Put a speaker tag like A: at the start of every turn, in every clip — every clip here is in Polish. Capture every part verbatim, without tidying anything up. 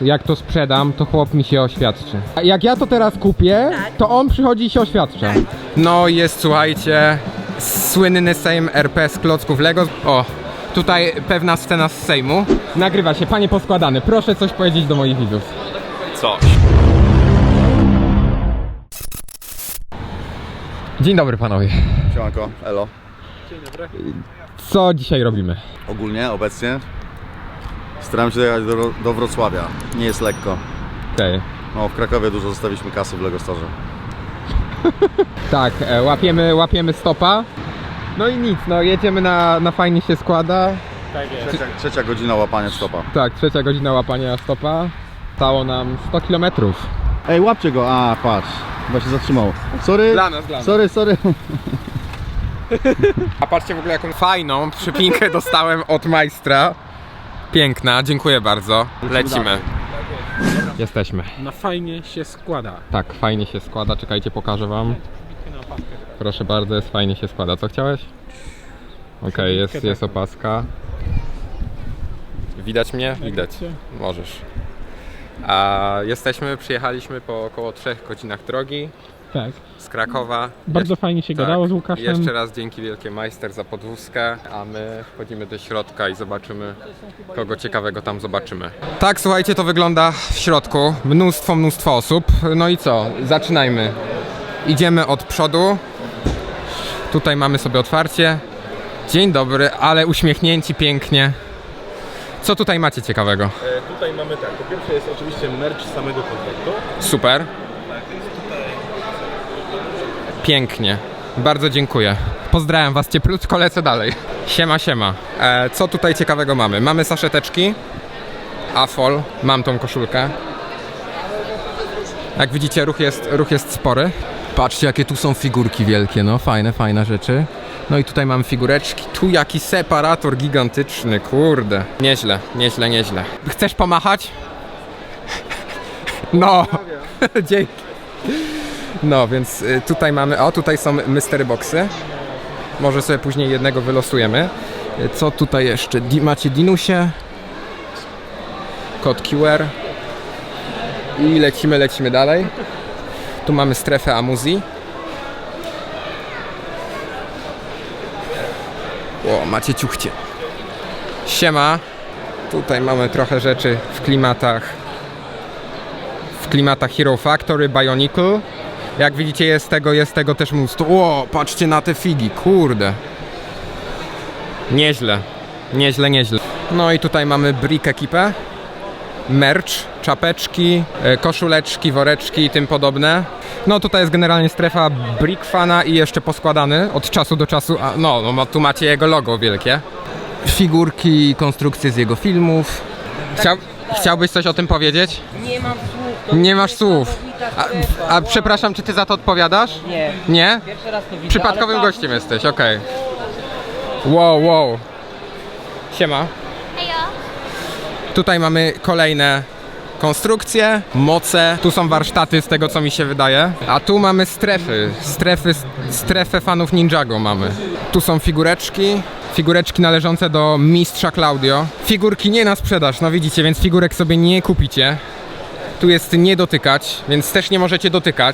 A: jak to sprzedam, to chłop mi się oświadczy. A jak ja to teraz kupię, to on przychodzi i się oświadcza. No jest, słuchajcie, słynny Sejm R P z klocków Lego. O, tutaj pewna scena z Sejmu. Nagrywa się, panie poskładany, proszę coś powiedzieć do moich widzów.
B: Coś.
A: Dzień dobry panowie.
C: Siemanko, elo.
A: Co dzisiaj robimy?
C: Ogólnie, obecnie staram się dojechać do, do Wrocławia. Nie jest lekko.
A: Okej. Okay.
C: No, w Krakowie dużo zostawiliśmy kasy w Lego Storze.
A: Tak, e, łapiemy, łapiemy stopa. No i nic, no jedziemy na, na fajnie się składa.
B: Tak jest.
C: Trzecia, trzecia godzina łapania stopa.
A: Tak, trzecia godzina łapania stopa. Stało nam sto kilometrów.
C: Ej, łapcie go! A, patrz. Chyba się zatrzymał. Sorry.
A: Dla nas, dla nas.
C: Sorry, sorry.
A: A patrzcie w ogóle jaką fajną przypinkę dostałem od majstra. Piękna, dziękuję bardzo. Lecimy. Jesteśmy.
B: Na fajnie się składa.
A: Tak, fajnie się składa. Czekajcie, pokażę wam. Proszę bardzo, jest fajnie się składa. Co chciałeś? Okej, okay, jest, jest opaska. Widać mnie? Widać. Możesz. A jesteśmy, przyjechaliśmy po około trzech godzinach drogi.
B: Tak.
A: Z Krakowa.
B: Bardzo
A: Jesz
B: fajnie się
A: tak,
B: gadało z Łukaszem.
A: Jeszcze raz dzięki wielkie majster za podwózkę, a my wchodzimy do środka i zobaczymy, kogo ciekawego tam zobaczymy. Tak, słuchajcie, to wygląda w środku. Mnóstwo, mnóstwo osób. No i co? Zaczynajmy. Idziemy od przodu. Tutaj mamy sobie otwarcie. Dzień dobry, ale uśmiechnięci pięknie. Co tutaj macie ciekawego?
D: E, tutaj mamy tak, po pierwsze jest oczywiście merch samego kontaktu.
A: Super. Pięknie. Bardzo dziękuję. Pozdrawiam was cieplutko, lecę dalej. Siema, siema. E, co tutaj ciekawego mamy? Mamy saszeteczki. Afol. Mam tą koszulkę. Jak widzicie, ruch jest, ruch jest spory. Patrzcie, jakie tu są figurki wielkie, no fajne, fajne rzeczy. No i tutaj mam figureczki. Tu jaki separator gigantyczny, kurde. Nieźle, nieźle, nieźle. Chcesz pomachać? No. Dzięki. No, więc y, tutaj mamy, o tutaj są mystery boxy. Może sobie później jednego wylosujemy. Y, co tutaj jeszcze? Di macie Dinusie. Kod Q R. I lecimy, lecimy dalej. Tu mamy strefę amuzji. O, macie ciuchcie. Siema. Tutaj mamy trochę rzeczy w klimatach w klimatach Hero Factory, Bionicle. Jak widzicie, jest tego, jest tego też mnóstwo. O, patrzcie na te figi, kurde. Nieźle, nieźle, nieźle. No i tutaj mamy Brick ekipę. Merch, czapeczki, koszuleczki, woreczki i tym podobne. No tutaj jest generalnie strefa Brick Fana i jeszcze poskładany od czasu do czasu. A, no, no, tu macie jego logo wielkie. Figurki i konstrukcje z jego filmów. Chciał, chciałbyś coś o tym powiedzieć?
E: Nie mam słów. To
A: Nie
E: jest
A: masz słów.
E: niesamowita
A: A,
E: strefa.
A: a przepraszam, czy ty za to odpowiadasz?
E: Nie.
A: Nie?
E: Pierwszy raz to widzę.
A: Przypadkowym
E: ale
A: gościem jesteś, okej. Okay. Wow, wow. Siema.
F: Hejo.
A: Tutaj mamy kolejne konstrukcje, moce. Tu są warsztaty z tego, co mi się wydaje. A tu mamy strefy. Strefy, strefę fanów Ninjago mamy. Tu są figureczki. Figureczki należące do mistrza Claudio. Figurki nie na sprzedaż, no widzicie, więc figurek sobie nie kupicie. Tu jest nie dotykać, więc też nie możecie dotykać.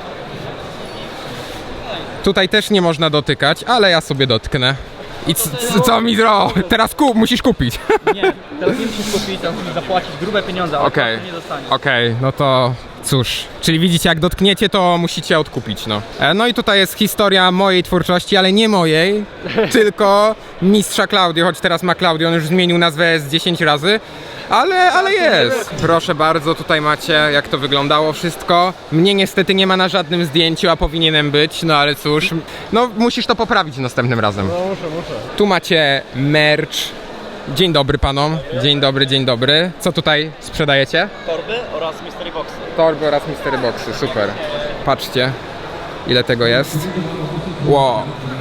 A: Tutaj też nie można dotykać, ale ja sobie dotknę. I c- c- co mi dro? Teraz kup, musisz kupić.
E: Nie, teraz nie musisz kupić, to musisz zapłacić grube pieniądze, ale
A: Okej,
E: okay. nie dostaniesz.
A: okej, okay, no to cóż. Czyli widzicie, jak dotkniecie, to musicie odkupić, no. E, no i tutaj jest historia mojej twórczości, ale nie mojej, tylko mistrza Claudio, choć teraz ma Claudio, on już zmienił nazwę z dziesięć razy. Ale, ale jest. Proszę bardzo, tutaj macie, jak to wyglądało wszystko. Mnie niestety nie ma na żadnym zdjęciu, a powinienem być, no ale cóż. No musisz to poprawić następnym razem.
D: No muszę, muszę.
A: Tu macie merch. Dzień dobry panom. Dzień dobry, dzień dobry. Co tutaj sprzedajecie?
E: Torby oraz mystery boxy.
A: Torby oraz mystery boxy, super. Patrzcie, ile tego jest. Wow.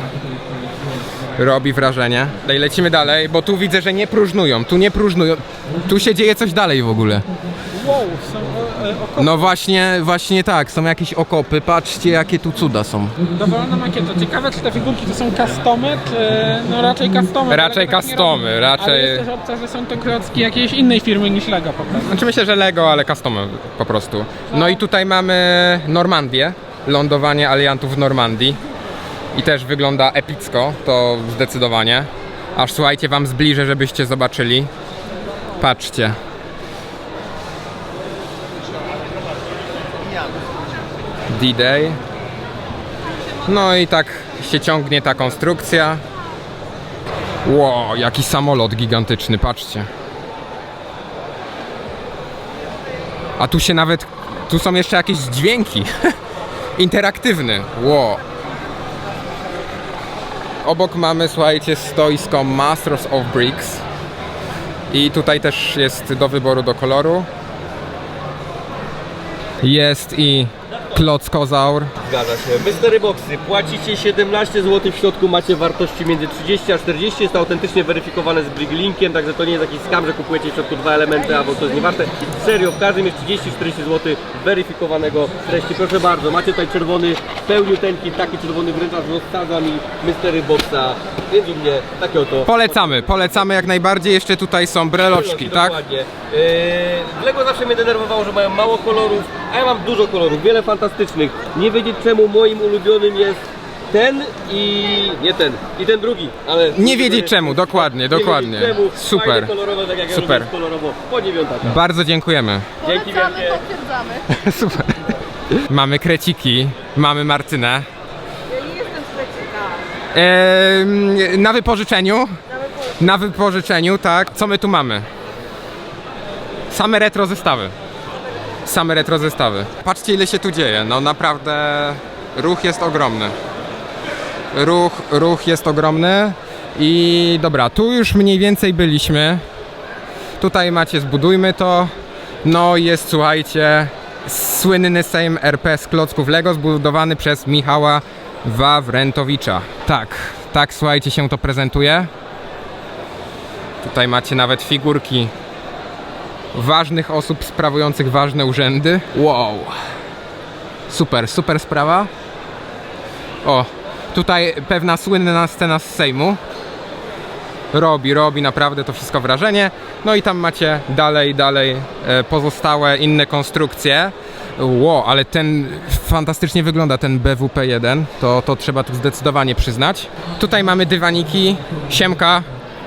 A: Robi wrażenie. Dalej lecimy dalej, bo tu widzę, że nie próżnują. Tu nie próżnują. Tu się dzieje coś dalej w ogóle.
B: Wow, są e, e, okopy.
A: No właśnie, właśnie tak, są jakieś okopy, patrzcie jakie tu cuda są.
B: Dowolna makieta. Ciekawe, czy te figurki to są customy, czy... No raczej customy.
A: Raczej
B: Lego tak nie
A: customy,
B: robi.
A: raczej-
B: Ale jest też opcja, że są to klocki jakiejś innej firmy niż Lego po prostu.
A: Znaczy myślę, że Lego, ale customy po prostu. No i tutaj mamy Normandię, lądowanie aliantów w Normandii. I też wygląda epicko, to zdecydowanie. Aż słuchajcie, wam zbliżę, żebyście zobaczyli. Patrzcie. D-Day. No i tak się ciągnie ta konstrukcja. Wow, jaki samolot gigantyczny, patrzcie. A tu się nawet, tu są jeszcze jakieś dźwięki. Interaktywny, wow. Obok mamy, słuchajcie, stoisko Masters of Bricks. I tutaj też jest do wyboru do koloru. Jest i klockozaur.
F: Zgadza się. Mystery Boxy. Płacicie siedemnaście złotych, w środku macie wartości między trzydzieści a czterdzieści. Jest to autentycznie weryfikowane z Briclinkiem, także to nie jest jakiś skam, że kupujecie w środku dwa elementy, albo to jest niewarte. I serio, w każdym jest trzydzieści czterdzieści złotych weryfikowanego treści. Proszę bardzo, macie tutaj czerwony, w pełni tenki, taki czerwony wręcz aż rozsadza mi Mystery Boxa. Więc u mnie takie oto.
A: Polecamy, polecamy jak najbardziej. Jeszcze tutaj są breloczki, tak?
F: Dokładnie. Yy, Lego zawsze mnie denerwowało, że mają mało kolorów, a ja mam dużo kolorów, wiele fantastycznych. Nie wiedzieć czemu moim ulubionym jest ten i nie ten, i ten drugi, ale...
A: Nie wiedzieć czemu, dokładnie,
F: nie
A: dokładnie.
F: wiedzieć czemu.
A: Super.
F: Fajne, kolorowe, tak jak ja
A: Super.
F: lubię kolorowo, po dziewiątaka.
A: Bardzo dziękujemy.
F: Dzięki
G: Polecamy,
F: wielkie.
G: potwierdzamy.
A: Super. Mamy kreciki, mamy Martynę.
G: Ja nie jestem z Meksika.
A: Eee, na wypożyczeniu. Na wypożyczeniu, tak. Co my tu mamy? Same retro zestawy. Same retro zestawy. Patrzcie ile się tu dzieje. No naprawdę ruch jest ogromny. Ruch, ruch jest ogromny. I dobra, tu już mniej więcej byliśmy. Tutaj macie zbudujmy to. No jest, słuchajcie, słynny Sejm R P z klocków Lego zbudowany przez Michała Wawrentowicza. Tak, tak słuchajcie się to prezentuje. Tutaj macie nawet figurki ważnych osób sprawujących ważne urzędy. Wow. Super, super sprawa. O, tutaj pewna słynna scena z Sejmu. Robi, robi naprawdę to wszystko wrażenie. No i tam macie dalej, dalej e, pozostałe inne konstrukcje. Wow, ale ten fantastycznie wygląda, ten B W P jeden. To, to trzeba tu zdecydowanie przyznać. Tutaj mamy dywaniki. Siemka.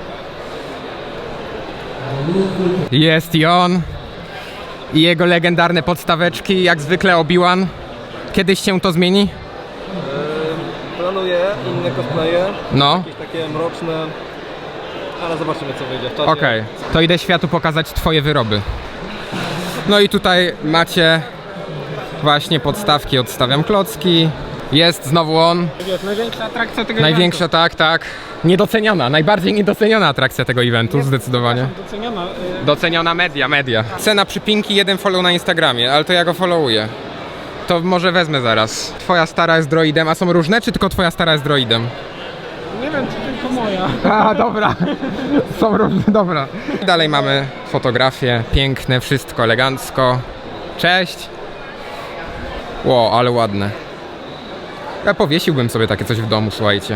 A: Jest i on. I jego legendarne podstaweczki, jak zwykle Obi-Wan. Kiedyś się to zmieni?
E: Planuję inne cosplaye,
A: No.
E: jakieś takie mroczne, ale zobaczymy co wyjdzie w czasie.
A: Okej, to idę światu pokazać twoje wyroby. No i tutaj macie właśnie podstawki, odstawiam klocki. Jest znowu on.
B: Wiesz, największa atrakcja tego
A: Największa, tak, tak. Niedoceniona, najbardziej niedoceniona atrakcja tego eventu, zdecydowanie.
B: eventu. Doceniona. y,
A: Doceniona media, media. Cena przypinki, jeden follow na Instagramie, ale to ja go followuję. To może wezmę zaraz. Twoja stara jest droidem, a są różne, czy tylko twoja stara jest droidem?
B: Nie wiem, czy tylko moja.
A: A, dobra. Są różne, dobra. Dalej mamy fotografie, piękne, wszystko elegancko. Cześć. Ło, ale ładne. Ja powiesiłbym sobie takie coś w domu, słuchajcie.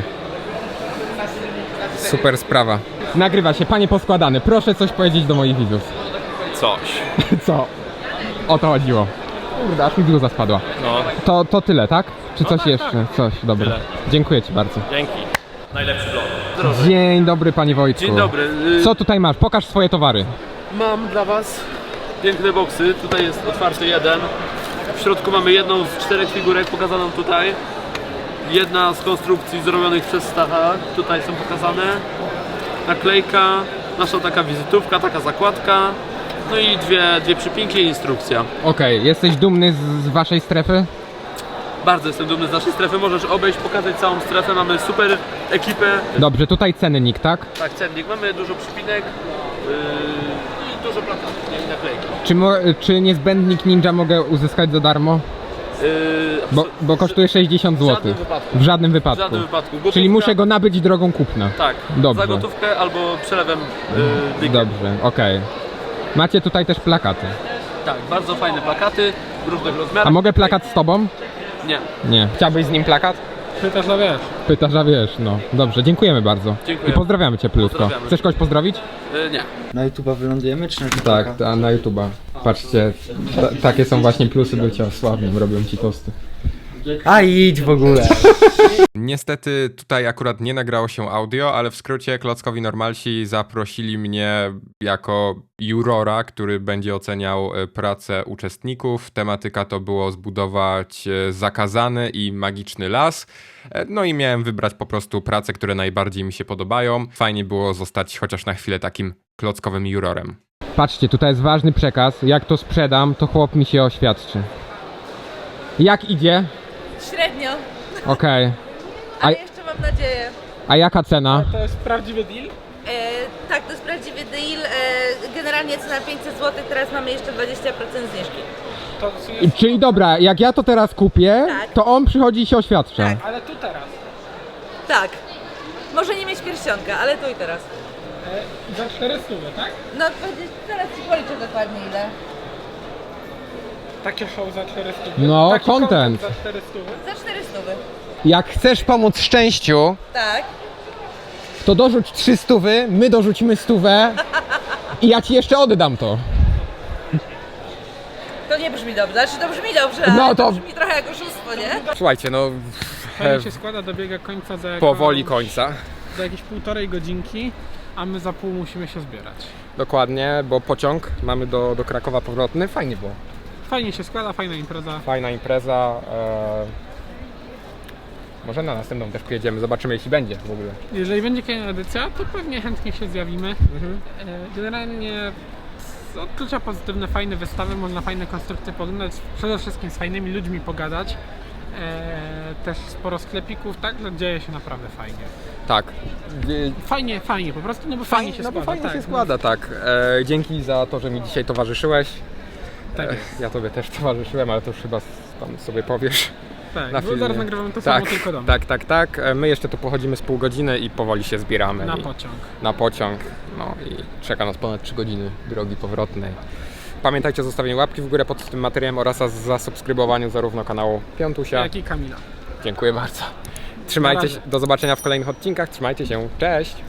A: Super sprawa. Nagrywa się, panie poskładany. Proszę coś powiedzieć do moich widzów.
D: Coś.
A: Co? O to chodziło. Kurde, aż mi bluza spadła.
D: No,
A: To, to tyle, tak? Czy coś jeszcze? Coś, dobra.
D: Tyle.
A: Dziękuję ci bardzo.
D: dzięki. Najlepszy vlog.
A: Dzień dobry, panie Wojtku.
H: Dzień dobry. Y,
A: Co tutaj masz? Pokaż swoje towary.
H: Mam dla Was piękne boksy. Tutaj jest otwarty jeden. W środku mamy jedną z czterech figurek pokazaną tutaj. Jedna z konstrukcji zrobionych przez Stacha. Tutaj są pokazane. Naklejka, nasza taka wizytówka, taka zakładka. No i dwie, dwie przypinki i instrukcja.
A: Okej, jesteś dumny z, z waszej strefy?
H: Bardzo jestem dumny z naszej strefy. Możesz obejść, pokazać całą strefę. Mamy super ekipę.
A: Dobrze, tutaj cennik, tak?
H: Tak, cennik. Mamy dużo przypinek. Yy, i dużo plakatów i naklejki.
A: Czy, mo, czy niezbędnik ninja mogę uzyskać za darmo?
H: Yy,
A: Bo, bo kosztuje sześćdziesiąt
H: W żadnym
A: złotych.
H: wypadku.
A: W żadnym
H: W
A: wypadku.
H: żadnym wypadku.
A: Czyli
H: Gotówka-
A: muszę go nabyć drogą kupna.
H: Tak,
A: Dobrze.
H: za gotówkę albo przelewem yy, biegiem.
A: Dobrze, okej. Macie tutaj też plakaty.
H: Tak, bardzo fajne plakaty w różnych rozmiarach.
A: A mogę plakat z tobą?
H: Nie.
A: Nie. Chciałbyś z nim plakat?
B: Pytasz, a wiesz.
A: Pytasz, a wiesz, no. Dobrze, dziękujemy bardzo.
H: Dziękuję.
A: I pozdrawiamy cię plutko.
H: Pozdrawiamy.
A: Chcesz kogoś pozdrowić?
H: Y, nie.
E: Na YouTube'a wylądujemy, czy na
A: Tak, ta, na YouTube'a. Patrzcie, ta, takie są właśnie plusy bycia sławnym, robią ci tosty.
E: A idź w ogóle.
A: Niestety tutaj akurat nie nagrało się audio, ale w skrócie Klockowi Normalsi zaprosili mnie jako jurora, który będzie oceniał e, pracę uczestników. Tematyka to było zbudować e, zakazany i magiczny las. E, No i miałem wybrać po prostu prace, które najbardziej mi się podobają. Fajnie było zostać chociaż na chwilę takim klockowym jurorem. Patrzcie, tutaj jest ważny przekaz. Jak to sprzedam, to chłop mi się oświadczy. Jak idzie?
G: Średnio,
A: Okej. A-
G: ale jeszcze mam nadzieję.
A: A jaka cena?
B: To jest prawdziwy deal.
G: E, tak, to jest prawdziwy deal. E, generalnie cena pięćset złotych, teraz mamy jeszcze dwadzieścia procent zniżki.
B: To
A: I- Czyli dobra, jak ja to teraz kupię,
G: Tak.
A: to on przychodzi i się oświadcza.
G: Tak.
B: Ale tu teraz.
G: Tak. Może nie mieć pierścionka, ale tu i teraz.
B: E, za czterysta, tak?
G: No dwadzieścia, zaraz ci policzę dokładnie ile.
B: Takie show za czterysta.
A: No,
B: Taki
A: content.
B: za czterysta.
G: Za czterysta.
A: Jak chcesz pomóc szczęściu,
G: Tak.
A: to dorzuć trzy stówy, my dorzucimy stówę i ja ci jeszcze oddam to.
G: To nie brzmi dobrze. Znaczy to brzmi dobrze,
A: No
G: ale
A: to-
G: to brzmi trochę jak oszustwo, nie?
A: Słuchajcie, no
B: Fajnie się składa, dobiega końca za, jako,
A: powoli końca.
B: za jakieś półtorej godzinki, a my za pół musimy się zbierać.
A: Dokładnie, bo pociąg mamy do, do Krakowa powrotny. Fajnie było.
B: Fajnie się składa, fajna impreza.
A: Fajna impreza. E... Może na następną też pojedziemy, zobaczymy jeśli będzie w ogóle.
B: Jeżeli będzie kolejna edycja, to pewnie chętnie się zjawimy.
A: Mhm.
B: E, Generalnie z odczucia pozytywne, fajne wystawy, można fajne konstrukcje poglądać, przede wszystkim z fajnymi ludźmi pogadać. E, też sporo sklepików, tak, że dzieje się naprawdę fajnie.
A: Tak.
B: Fajnie, fajnie, po prostu, no bo fajnie,
A: Fajnie,
B: się
A: no
B: składa.
A: bo fajnie
B: tak,
A: się składa, tak. E, dzięki za to, że mi dzisiaj towarzyszyłeś.
B: No, tak,
A: E,
B: jest,
A: ja tobie też towarzyszyłem, ale to już chyba tam sobie powiesz.
B: tak,
A: na
B: bo
A: filmie.
B: zaraz nagrywamy to
A: Tak,
B: samo, tylko dom.
A: tak, tak, tak. E, My jeszcze tu pochodzimy z pół godziny i powoli się zbieramy.
B: Na
A: i,
B: pociąg.
A: na pociąg. No i czeka nas ponad trzy godziny drogi powrotnej. Pamiętajcie o zostawieniu łapki w górę pod tym materiałem oraz o zasubskrybowaniu zarówno kanału Piątusia.
B: Jak i Kamila.
A: Dziękuję bardzo. Trzymajcie
B: Na
A: się,
B: razie.
A: do zobaczenia w kolejnych odcinkach. Trzymajcie się. Cześć!